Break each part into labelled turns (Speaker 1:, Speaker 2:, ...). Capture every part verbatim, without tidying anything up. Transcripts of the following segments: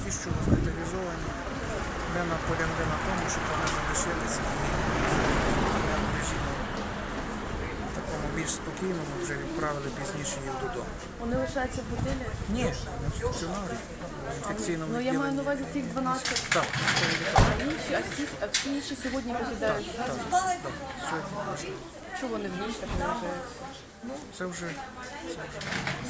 Speaker 1: ті, що госпіталізовані, ми наполягли на тому, щоб вони залишилися в режимі такому більш спокійному, вже відправили пізніше їх додому.
Speaker 2: Вони лишаються в готелі?
Speaker 1: Ні, не в стаціонарі, в інфекційному
Speaker 2: Ну я маю на
Speaker 1: відділенні.
Speaker 2: увазі тих дванадцять.
Speaker 1: Так,
Speaker 2: А інші, а всі, а всі інші сьогодні покидають?
Speaker 1: так, так. Сьогодні можна.
Speaker 2: Чого вони в ніч так не лишаються?
Speaker 1: Ну, це вже, це вже.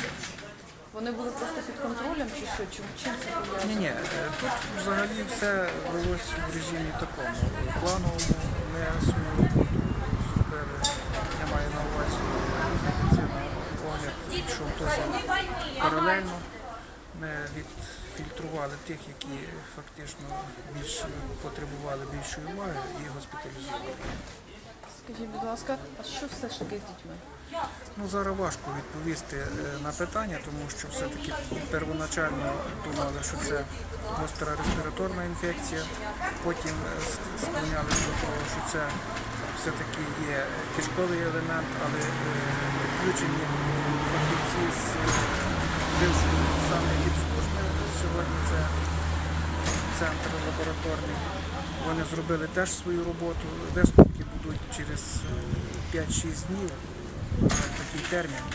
Speaker 2: Вони були просто під контролем чи що? Чим, чим це пов'язано?
Speaker 1: Ні, ні, тут взагалі все велось в режимі такому. Плановому ми свою роботу зробили, я маю на увазі медицина, огляд, пішов теж паралельно. Ми відфільтрували тих, які фактично більш потребували більшої уваги і госпіталізували.
Speaker 2: Скажіть, будь ласка, а що все ж таки з дітьми?
Speaker 1: Ну, зараз важко відповісти е, на питання, тому що все-таки первоначально думали, що це гостра респіраторна інфекція, потім е, с- склонялися до того, що це все-таки є кишковий елемент, але е, включені фахівці з е, бившої саме від служби, сьогодні це центр лабораторний, вони зробили теж свою роботу, висновки будуть через е, п'ять-шість днів, на такий термін,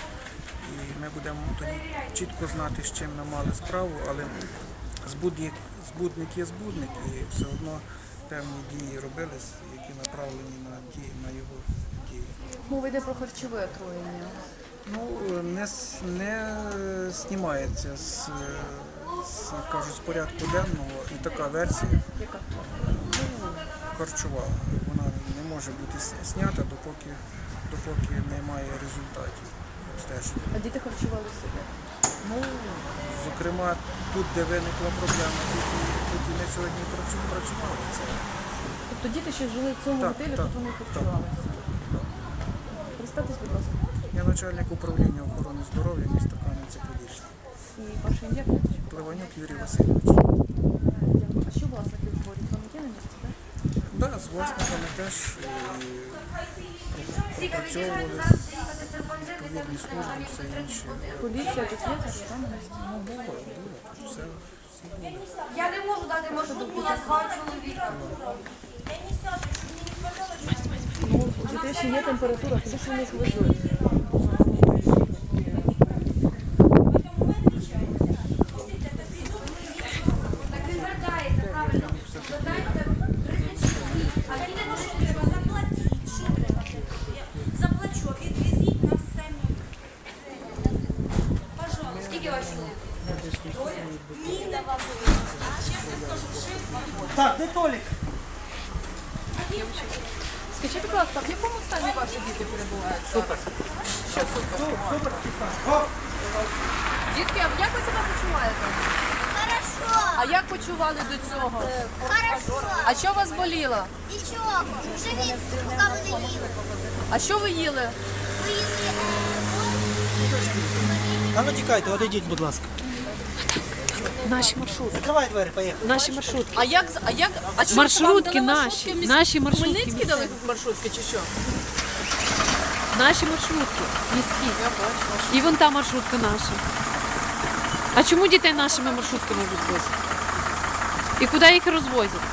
Speaker 1: і ми будемо тоді чітко знати, з чим ми мали справу, але збудник, збудник є збудник, і все одно певні дії робились, які направлені на дії, на його дії.
Speaker 2: Мова йде про харчове отруєння.
Speaker 1: Ну, не, с- не знімається з, з, кажуть, з порядку денного і така версія,
Speaker 2: Яка?
Speaker 1: ну, харчова. Вона не може бути с- знята, допоки, допоки немає результатів стеження.
Speaker 2: А діти харчували себе?
Speaker 1: Ну, зокрема, тут, де виникла проблема, тут, і- тут і ми сьогодні працю- працювали. Це,
Speaker 2: Тобто діти ще жили в цьому
Speaker 1: Так,
Speaker 2: готелі,
Speaker 1: так,
Speaker 2: тут вони
Speaker 1: так.
Speaker 2: харчувалися? Представтесь, будь ласка.
Speaker 1: я начальник управління охорони здоров'я міста Кам'янця-Подільського.
Speaker 2: І ваше ім'я? прізвище?
Speaker 1: Пливанюк Юрій Васильович.
Speaker 2: Дякую. А що власники говорять? Вони є на місці, так?
Speaker 1: Да, з власниками теж е, пропрацьовували відповідні служби, все інше.
Speaker 2: Поліція тут є, зараз там на місці.
Speaker 1: Ну, було, було, тут все, всі були.
Speaker 3: Я не можу дати маршрутку на два чоловіка.
Speaker 2: Ну, у дітей ще є температура, куди ж вони їх везуть?
Speaker 3: Так він вердається, правильно. Додайте тридцять чоловік. А їдемо, що треба? Заплатіть. Що треба? Заплачу. Відвезіть нас самі. Пожалуйста. Скільки вас чоловік? Ні, давай. Чесно скажу, шість.
Speaker 4: Так, де Толік?
Speaker 2: Скажіть, будь ласка, в якому стані ваші діти перебувають? Супер. Що супер?
Speaker 4: Супер. О,
Speaker 2: Дітки, а як ви себе почуваєте?
Speaker 5: Хорошо,
Speaker 2: А як почували до цього?
Speaker 5: хорошо.
Speaker 2: А що вас боліло?
Speaker 5: Нічого. Живіть, поки ви не їли.
Speaker 2: А що ви їли?
Speaker 5: Ви їли е,
Speaker 4: а ну тікайте, одійдіть, будь ласка.
Speaker 6: Наші маршрутки.
Speaker 4: Закривай двері, поїхали.
Speaker 6: Наші маршрутки.
Speaker 2: А як а як а що
Speaker 6: Маршрутки
Speaker 2: вам дали
Speaker 6: наші,
Speaker 2: міс-
Speaker 6: наші маршрутки
Speaker 2: Хмельницькі
Speaker 6: місцеві.
Speaker 2: дали маршрутки чи що?
Speaker 6: Наші маршрутки міські.
Speaker 2: Я бачу.
Speaker 6: І вон та маршрутка наша. А чому дітей нашими маршрутками відвозять? І куди їх розвозять?